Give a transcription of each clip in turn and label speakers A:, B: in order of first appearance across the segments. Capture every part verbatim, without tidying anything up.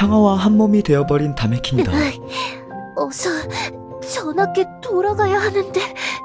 A: 평화와 한몸이 되어버린 다메킹이다.
B: 어서 전학에 돌아가야 하는데.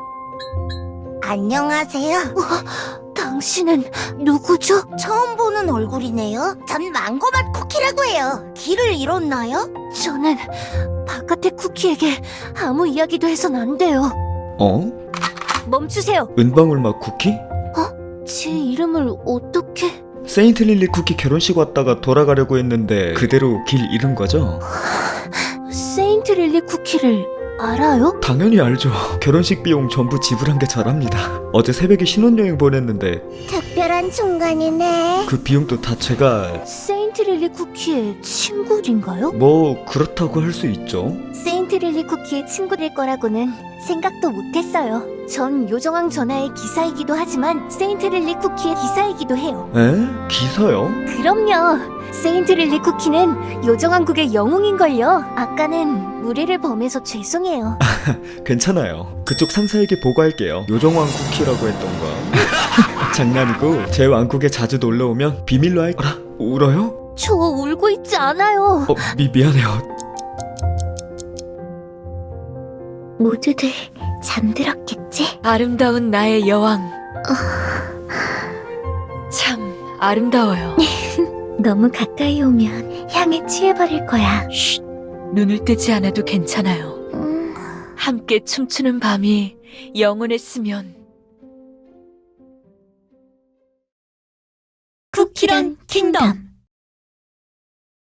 C: 안녕하세요.
B: 어, 당신은 누구죠?
C: 처음 보는 얼굴이네요. 전 망고맛 쿠키라고 해요. 길을 잃었나요?
B: 저는 바깥의 쿠키에게 아무 이야기도 해선 안 돼요.
A: 어?
B: 멈추세요.
A: 은방울맛 쿠키?
B: 제 이름을 어떻게...
A: 세인트 릴리 쿠키 결혼식 왔다가 돌아가려고 했는데 그대로 길 잃은 거죠?
B: 세인트 릴리 쿠키를 알아요?
A: 당연히 알죠. 결혼식 비용 전부 지불한 게 저랍니다. 어제 새벽에 신혼여행 보냈는데
C: 특별한 순간이네.
A: 그 비용도 다 제가...
B: 세인트 릴리 쿠키의 친구인가요?
A: 뭐 그렇다고 할 수 있죠.
B: 세인트 릴리 쿠키의 친구일 거라고는 생각도 못했어요. 전 요정왕 전하의 기사이기도 하지만 세인트 릴리 쿠키의 기사이기도 해요.
A: 에? 기사요?
B: 그럼요. 세인트 릴리 쿠키는 요정왕국의 영웅인걸요. 아까는 무례를 범해서 죄송해요.
A: 괜찮아요. 그쪽 상사에게 보고할게요. 요정왕 쿠키라고 했던가. 장난이고 제 왕국에 자주 놀러오면 비밀로 할... 어라? 울어요?
B: 저 울고 있지 않아요.
A: 어, 미, 미안해요.
B: 모두들 잠들었겠지?
D: 아름다운 나의 여왕. 참 아름다워요.
B: 너무 가까이 오면 향에 취해버릴 거야.
D: 쉿, 눈을 뜨지 않아도 괜찮아요.
B: 음...
D: 함께 춤추는 밤이 영원했으면.
B: 쿠키런 킹덤.